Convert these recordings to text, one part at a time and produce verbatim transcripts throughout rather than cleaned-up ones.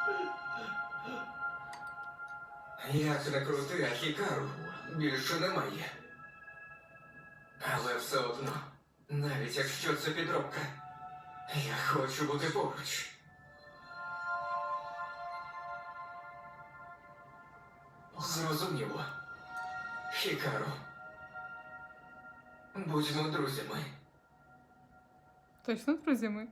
Як не крути, а Хікару більше немає. Але все одно, навіть якщо це підробка, я хочу бути поруч. Зрозуміло. Хікару. Будьмо друзями. Точно друзями?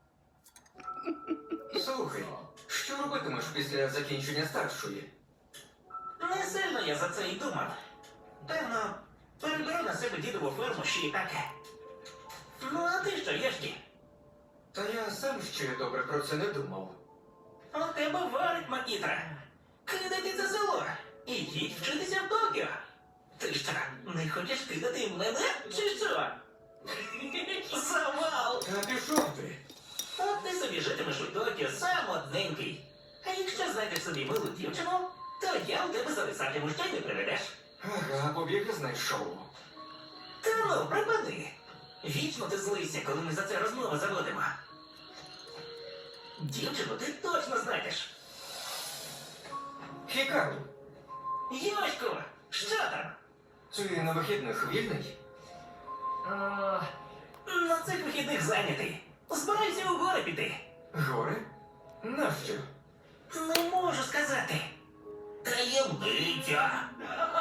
Слухай, що робитимеш після закінчення старшої? Не сильно я за це й думав. Певно, переберу на себе дідову ферму ще й таке. Ну, а ти що, Єшкі? Та я сам ще добре про це не думав. У тебе варить, Макітра. Кидайте це село і їдь вчитися в Токіо. Ти що, не хочеш кидати мене, чи що? Завал! Та пішов ти. От ти собі житимеш у Токіо сам одненький. А якщо знайдеш собі милу дівчину, то я у тебе зависатиму, що й не приведеш. Ага, побіг знайшов. Та ну, припини. Вічно ти злися, коли ми за це розмови заводимо. Дівчину ти точно знайдеш. Хікару, Йосько, що там? ти на вихідних вільний? О, на цих вихідних зайнятий. Збирайся у гори піти. Гори? Нащо? Не можу сказати. Таємниця.